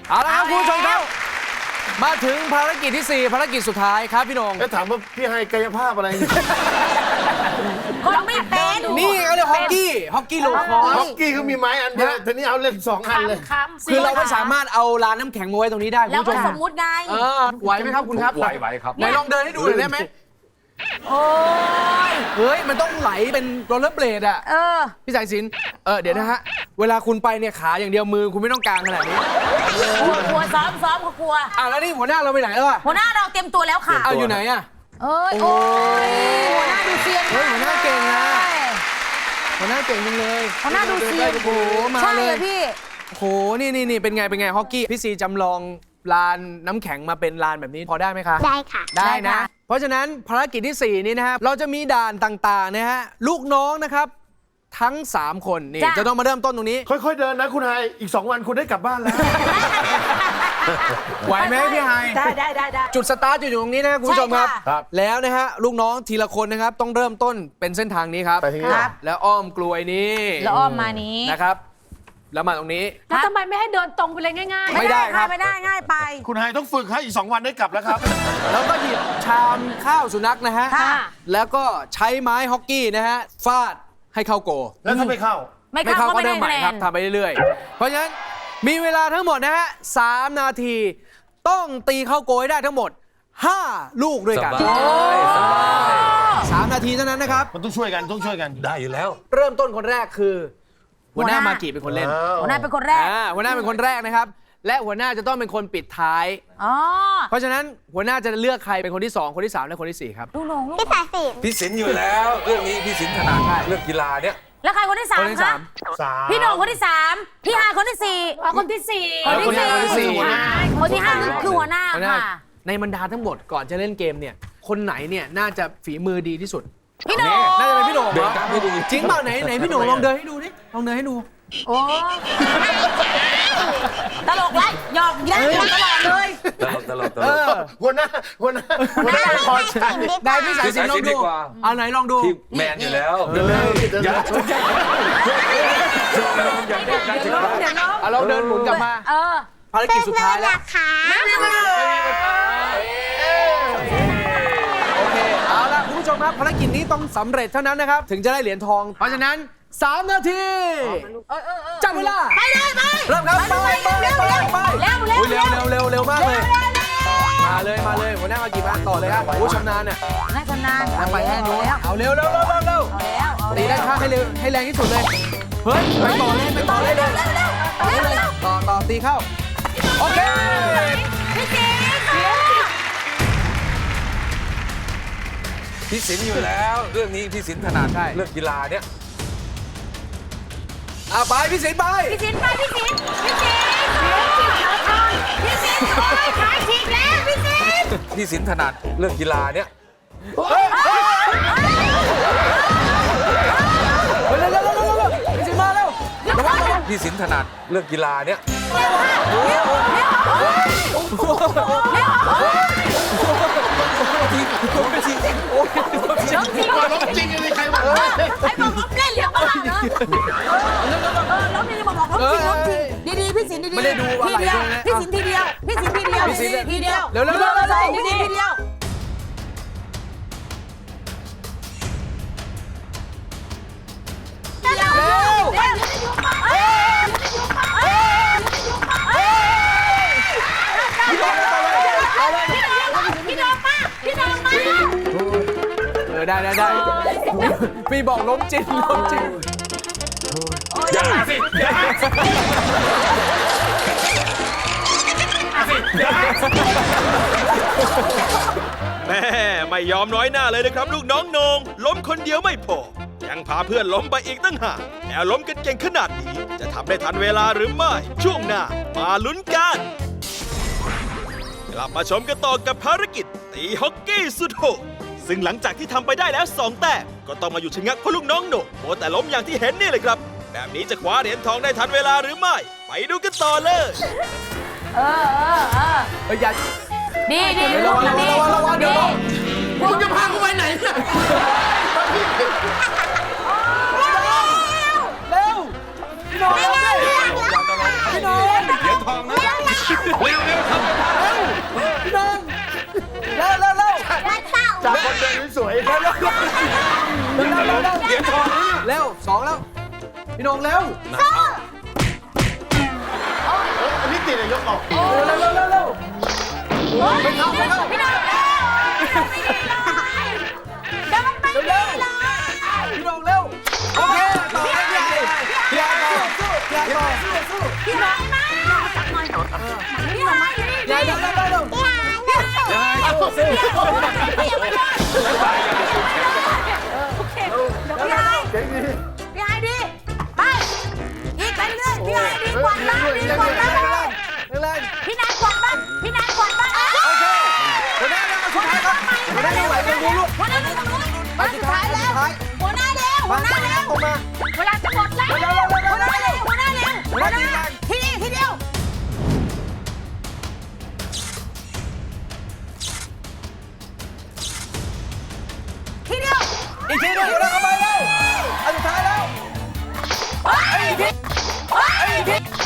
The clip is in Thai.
เอาละครับคุณผู้ชมครับมาถึงภารกิจที่4ภารกิจสุดท้ายครับพี่นงแล้วถามว่าพี่ให้กายภาพอะไรคนไม่เป็นนี่เขาเรียกฮอกกี้โลคอสฮอกกี้เขามีไม้อันเดียวทีนี้เอาเล่น2 อันเลยคือเราไม่สามารถเอาลานน้ำแข็งมาไว้ตรงนี้ได้คุณแล้วผู้ชก็มสมมุติไงไหวไหมครับคุณครับไหวครับไหนลองเดินให้ดูหน่อยได้ไหมโอ้ยเฮ้ยมันต้องไหลเป็นโรลเลอร์เบลดอะพี่สายสินเดี๋ยวนะฮะเวลาคุณไปเนี่ยขาอย่างเดียวมือคุณไม่ต้องกางขนาดนี้กลัวซ้อมเขากลัวแล้วนี่หัวหน้าเราไปไหนแล้วอะหัวหน้าเราเตรียมตัวแล้วค่ะอยู่ไหนอะโอ้ยหัวหน้าดูเซียนเฮ้ยหัวหน้าเก่งนะหัวหน้าเก่งจังเลยหัวหน้าดูเซียนโอ้โหมาใช่เลยพี่โอ้โหนี่เป็นไงฮอกกี้พี่ซีจำลองลานน้ำแข็งมาเป็นลานแบบนี้พอได้ไหมคะได้ค่ะได้ได้นะค่ะเพราะฉะนั้นภารกิจที่ 4 นี้นะครับเราจะมีด่านต่างๆนะฮะลูกน้องนะครับทั้ง 3 คนนี่จะต้องมาเริ่มต้นตรงนี้ค่อยๆเดินนะคุณไฮอีก2 วันคุณได้กลับบ้านแล้วไหวไหมพี่ไฮได้จุดสตาร์ทอยู่ตรงนี้นะคุณผู้ชมครับใช่ค่ะครับแล้วนะฮะลูกน้องทีละคนนะครับต้องเริ่มต้นเป็นเส้นทางนี้ครับไปทางนี้ครับแล้วอ้อมกลวยนี้แล้วอ้อมมานี้นะครับแล้วมาตรงนี้แล้วทำไมไม่ให้เดินตรงไปเลยง่ายไม่ได้ครับไม่ได้ง่ายไปคุณไฮต้องฝึกให้อีก2 วันได้กลับแล้วครับแล้วก็หยิบชามข้าวสุนัขนะฮะค่ะแล้วก็ใช้ไม้ฮอกกี้นะฮะฟาดให้เข้าโกแล้วถ้าไม่เข้าไม่เข้าก็ก็ไม่เริ่ได้มใหม่คะแนครับนทำไปเรื่อยๆ เพราะฉะนั้นมีเวลาทั้งหมดนะฮะ3 นาที ต้องตีเข้าโกให้ได้ทั้งหมด 5 ลูกด้วยกันสบาย 3 นาทีเท่านั้นนะครับมันต้องช่วยกันต้องช่วยกันได้อยู่แล้วเริ่มต้นคนแรกคือหัวหน้ามากิเป็นคนเล่นหัวหน้าเป็นคนแรกหัวหน้าเป็นคนแรกนะครับ และหัวหน้าจะต้องเป็นคนปิดท้ายอ๋อเพราะฉะนั้นหัวหน้าจะเลือกใครเป็นคนที่ 2 คนที่ 3 และคนที่ 4 ครับลูกน้องลูกพี่สายสินพี่สินอยู่แล้ว เรื่องนี้พี่สินถนัดเรื่องกีฬาเนี่ยแล้วใครคนที่สาคมนที่คะ 3 พี่โหน่งคนที่สามพี่ฮาคนที่สี่ๆคนที่สี่คนที่สี่คนที่ห้าคือหัวหน้าหัวหน้าค่ะในบรรดาทั้งหมดก่อนจะเล่นเกมเนี่ยคนไหนเนี่ยน่าจะฝีมือดีที่สุดพี่โหน่งน่าจะเป็นพี่โหน่งเดินตามให้ดูจริงเปล่าไหนพี่โหน่งลองเดินให้ดูดิลองเดินให้ดูโอ้ตลกไรหยอกแย่ตลอดเลยตลกหัวหน้าไม่พอใจได้พี่สายสินลองดูเอาไหนลองดูพี่แมนอยู่แล้วเดินเลยเดินเลยอย่าเล่นกันถึงแล้วเอาเราเดินหมุนกลับมา ภารกิจสุดท้ายแล้วค่ะโอเคเอาละคุณผู้ชมครับภารกิจนี้ต้องสำเร็จเท่านั้นนะครับถึงจะได้เหรียญทอง เพราะฉะนั้น3 นาทีจับเวลาไปเลยไปเริ่มครับไปเร็วอุ๊ยเร็วมากเลยมาเลยหัวหน้ามากี่บ้านต่อเลยครับโอ้ชำนาญเนี่ยน่าชำนาญไปแค่นู้นแล้วเอาเร็วเอาแล้วตีด้านข้างให้เร็วให้แรงที่สุดเลยเฮ้ยไปต่อเลยต่อตีเข้าโอเคพี่จีพี่สินอยู่แล้ว เรื่องนี้พี่สินถนัดเรื่องกีฬาเนี่ยไปพี่สินไปพี่สินไปพี่สินโอ้ยขายฉีกแล้วพี่สินพี่สินถนัดเรื่องกีฬาเนี่ยเร็วพี่สินมาเร็วระวังพี่สินถนัดเรื่องกีฬาเนี่ยล้มจริงเลยใครวะไอ้บอกล้มเล่นเรียกว่าเหรอล้มนี่บอกล้มจริงล้มจริงดีๆพี่สินดีๆไม่ได้ดูอะไรพี่สินทีเดียวพี่สินทีเดียวทีเดียวเร็วทีเดียว พี่น้องมาได้พี่บอกล้มจริงอย่าสิอย่าแม่ไม่ยอมน้อยหน้าเลยนะครับลูกน้องโหนงล้มคนเดียวไม่พอ ยังพาเพื่อนล้มไปอีกตั้งหากแล้วล้มกันเก่งขนาดนี้ จะทำได้ทันเวลาหรือไม่ ช่วงหน้ามาลุ้นกันกลับมาชมกันต่อกับภารกิจตีฮอกกี้สุดโหดซึ่งหลังจากที่ทำไปได้แล้ว2 แต้มก็ต้องมาอยู่ชะงักเพราะลูกน้องโหนงโมแต่ล้มอย่างที่เห็นนี่เลยครับ แบบนี้จะคว้าเหรียญทองได้ทันเวลาหรือไม่ ไปดูกันต่อเลยอย่าดีระวังเดี๋ยวมึงจะพากูไปไหนเนี่ยเร็วพี่น้องอย่าตลกพี่น้องเหรียญทองนะพี่น้องเร็วเร็วเร็วจากคนเดินสวยเร็วเร็วเร็วเหรียญทองเร็วสองแล้วพี่น้องเร็วอันนี้ติดเลยยกออกเร็วเร็วเร็วเร็วไม่เข้าไม่เข้าพี่น้องเร็วเดี๋ยวมันไปเร็วเร็วพี่น้องเร็วโอเคต่อให้พี่ไอ้ต่อพี่ไอ้ต่อพี่น้องมาจับหน่อยพี่น้องมาพี่ไอ้เร็วเร็วเร็วเร็วโอเคเดี๋ยวพี่ไอ้พี่ไอ้ดีไปอีกไปเรื่อยพี่ไอ้ดีกว่าบ้านดีกว่าบ้านแรงพี่นายกวาดบ้านพี่นายกวาดบ้านโอเคหัวหน้ามาสุดท้ายครับหัวหน้ายังไหวกันดูลูกหัวหน้าตรงนู้นบ้านสุดท้ายแล้วหัวหน้าเร็วหัวหน้าเร็วออกมาเวลาจะหมดแล้วหัวหน้าเร็วหัวหน้าเร็วหัวหน้าเร็วหัวหน้าทีเดียวทีเดียวอีกทีหนึงหัวหน้าเข้าไปเร็วอันสุดท้ายแล้วอีกที